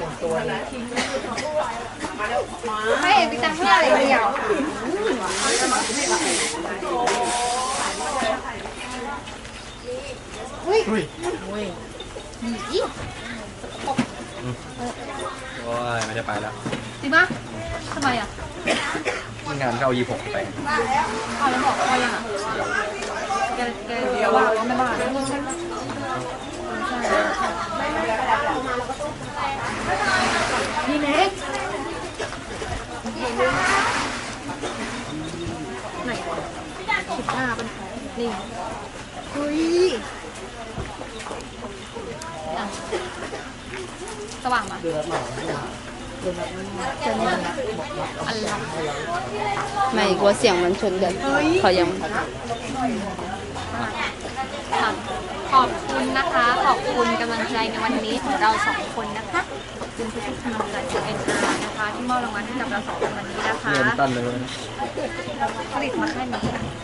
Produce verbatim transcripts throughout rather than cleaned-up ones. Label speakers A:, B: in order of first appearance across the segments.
A: ไม่ไปตังเพื่ออะไรเดียวอุ้ยอุ้ยอี
B: โอ้ยไม่ได้ไปแล้ว
A: จริงปะทำไมอ่ะ
B: งานเข้ายี่หกไป
A: เอาแล้วบอกเขายังอ่ะแกแกเดี๋ยวว่าไม่บ้านี่เน็กไหนวะสิบห้าเป็นนี่เฮ้ยสว่างมาอะไร
C: ไม่กลัวเสียงมันชนกันเขายัง
A: ขอบคุณนะคะ ขอบคุณกำลังใจในวันนี้ของเราสองคนนะคะขอบคุณทุกๆกำลังใจจากเอ็นอาร์นะคะที่มอบรางวัลให้กับเราสองคนวันนี้นะคะ
B: เริ่มต้นเลย
A: ผลิตมาแค่นี้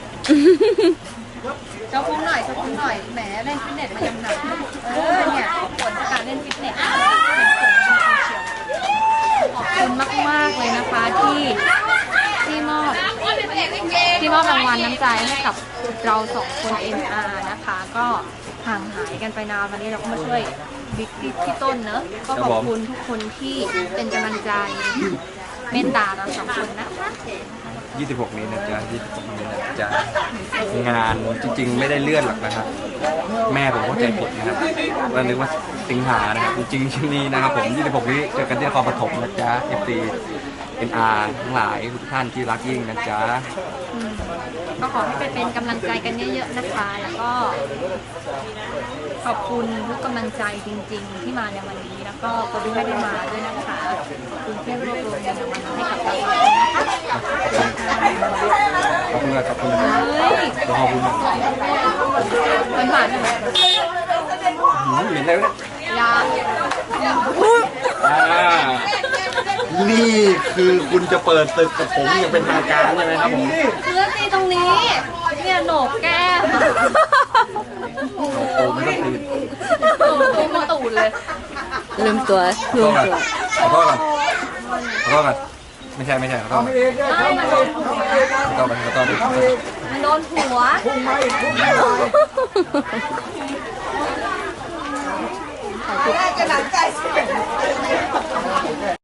A: เจ้าคุ้มหน่อยเจ้าคุ้มหน่อยแหมเล่นฟิตเนสมายังหนักเออเนี่ยผลจากการเล่นฟิตเนสเป็นผลจริงๆเชียวขอบคุณมากๆเลยนะคะที่ที่มอบที่มอบรางวัลน้ำใจให้กับเราสองคน เอ็น อาร์ นะคะก็ห่างหายกันไปนานวันนี้เราก็มาช่วยบิ๊กที่ต้นเนอะก็ขอบคุณทุกคนที่เป็นกำลังใจเมตตาเราสองคนนะคะ
B: ยี่สิบหกนี้นะจ๊ะยี่สิบหกนี้นะจ๊ะงานจริงๆไม่ได้เลื่อนหรอกนะครับแม่ผมเข้าใจผิดนะครับว่านึกว่าสิงหานะครับจริงๆที่นี่นะครับผมยี่สิบหกนี้เจอกันที่นครปฐมนะจ๊ะ เอฟ ซี เอ็น อาร์ ทั้งหลายทุกท่านที่รักยิ่งนะจ๊ะ
A: ก็ขอให้เป็นกำลังใจกันเยอะๆนะคะแล้วก็ขอบคุณทุกกำลังใจจริงๆที่มาในวันนี้แล้วก็คนที่ไม่ได้มาด้วยนะคะคุณเพื่อนรวบรวมเงินรางวัลให้กับเรานะคะ
B: ขอบคุณครับขอบคุณครับขอบคุณ
A: มันหวานไหม
B: เหม็นอะไรวะ
A: ยา
B: นี่คือคุณจะเปิดตึกกับผมอย่างเป็นทางการใช่ไหมครับผม
A: เลือตีตรงนี้เนี่ยโหนกแก้ม
B: โอ้ไม่ต้องตี
A: โอ้โหมาตูดเลย
C: ลืมตัวลืมตัว
B: ขอโทษก่อนขอโทษก่อนไม่ใช่ไม่ใช่ขอโทษ
A: ไม่มาโดนหัว
B: ขอโทษขอโทษ
A: มันโดนหัว
C: ขอบคุณ